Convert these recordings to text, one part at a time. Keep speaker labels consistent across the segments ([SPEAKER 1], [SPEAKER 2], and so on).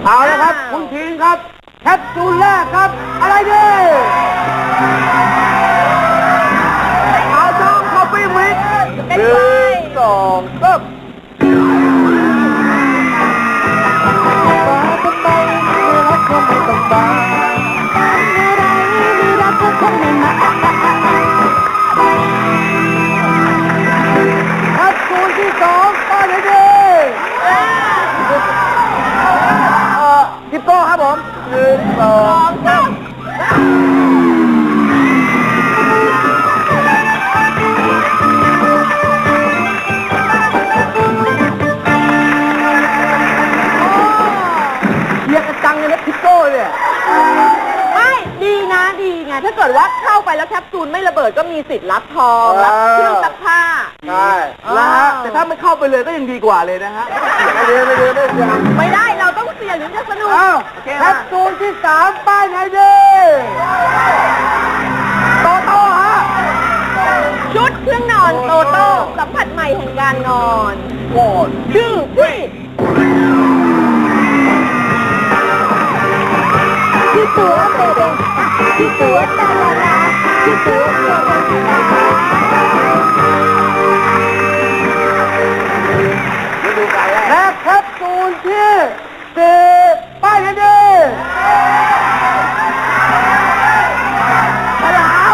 [SPEAKER 1] เอาละครับคุณทีนครับแคปซูลแรกครับอะไรดีเอาช่องคอฟฟี่มิกซ์1 2 3ทิปโก้ครับผม1 2 3เชียร์กระจังเลยนะทิปโก้เนี่ย
[SPEAKER 2] ไม่ดีนะดีไงถ้าเกิดว่าเข้าไปแล้วแคปซูลไม่ระเบิดก็มีสิทธิ์รับทองรับเครื่องซักผ้า
[SPEAKER 1] ใช่นะฮะแต่ถ้าไม่เข้าไปเลยก็ยังดีกว่าเลยนะฮะไม่ได้
[SPEAKER 2] เราต้องเสี่ยงถึงจะสนุก
[SPEAKER 1] แคปซูลที่3ป้ายไหนดีโตโต้ฮะ
[SPEAKER 2] ชุดเครื่องนอนโตโต้สัมผัสใหม่แห่งการนอนชื่อพี่ที่ตัวเบเบที่ตัวตาลาลาที่ตัวเบเบ
[SPEAKER 1] และแคปซูลที่4ป้ายไหนดี
[SPEAKER 2] ฉลาม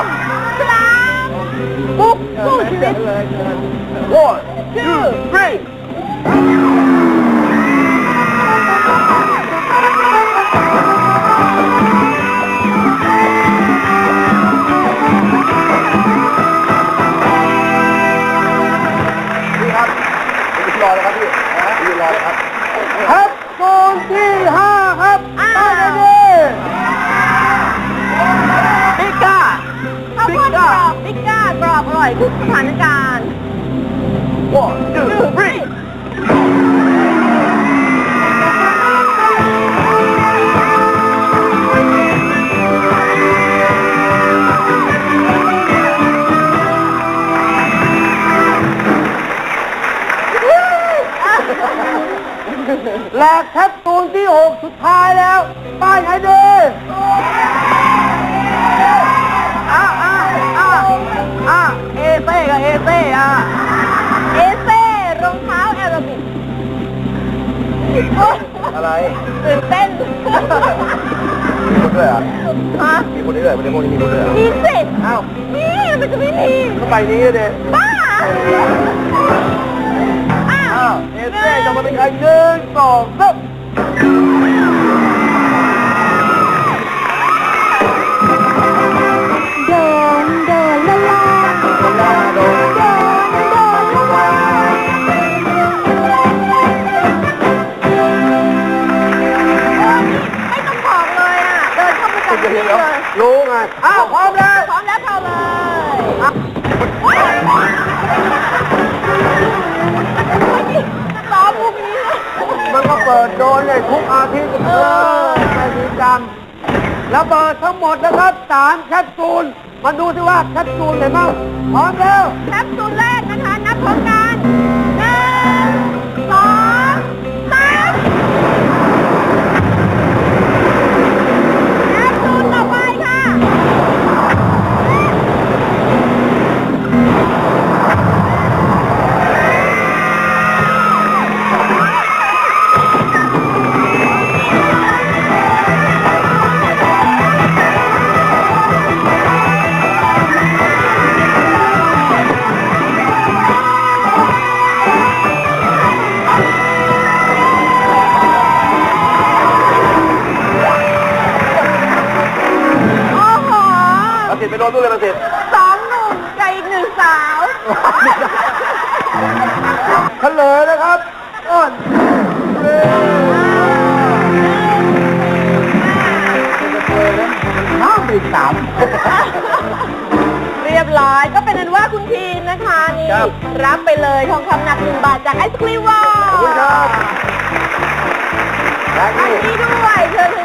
[SPEAKER 2] ปุ๊บสู้ชีวิตชื่อพี่
[SPEAKER 1] รอเลยครับพี่ยืนรอเลยครับแคปซูลที่5ครับป้ายไหนดีปิก้า
[SPEAKER 2] ข้าวโพดกรอบปิก้ากรอบอร่อยทุกสถานการณ์
[SPEAKER 1] ชื่อพี่และแคปซูลที่6สุดท้ายแล้วป้ายไหนดีเอเซ่กับเอเซ่
[SPEAKER 2] เอเซ่รองเท้าแอโรบิก
[SPEAKER 1] อะไร
[SPEAKER 2] ตื่นเต้น
[SPEAKER 1] มีคนด้วยอ่ะมีคนด้วยในพวกนี้มีคนด้วย
[SPEAKER 2] มีสิอ้าวมีมันจะไม่มี
[SPEAKER 1] ก็ไปนี้เลย
[SPEAKER 2] บ้า
[SPEAKER 1] เอเซ่จะมาเป็นใคร1 2 3รู้ไงพร้อมแล้ว
[SPEAKER 2] เข้าเลยซ้อมมุกนี้
[SPEAKER 1] มันก็เปิดโดนเลยทุกอาทิตย์ไปดีจังแล้วเปิดทั้งหมดนะครับ3แคปซูลมาดูสิว่าแคปซูลไหนบ้างพร้อมแล้ว
[SPEAKER 2] แคปซูลแรกนะคะนับพร้อมกัน1 2 3แคปซูลต่อไปค่ะ
[SPEAKER 1] ไปโดนตู้เลยมาสิ
[SPEAKER 2] 2 หนุ่มกับอีก1 สาว
[SPEAKER 1] เฉลยนะครับอ้อนน้ำอีก3
[SPEAKER 2] เรียบร้อยก็เป็นนั้นว่าคุณทีนนะคะนี่รับไปเลยทองคำหนัก1 บาทจากไอศครีมวอล
[SPEAKER 1] ขอบคุณครับและ
[SPEAKER 2] นี่ด้วยเชิญ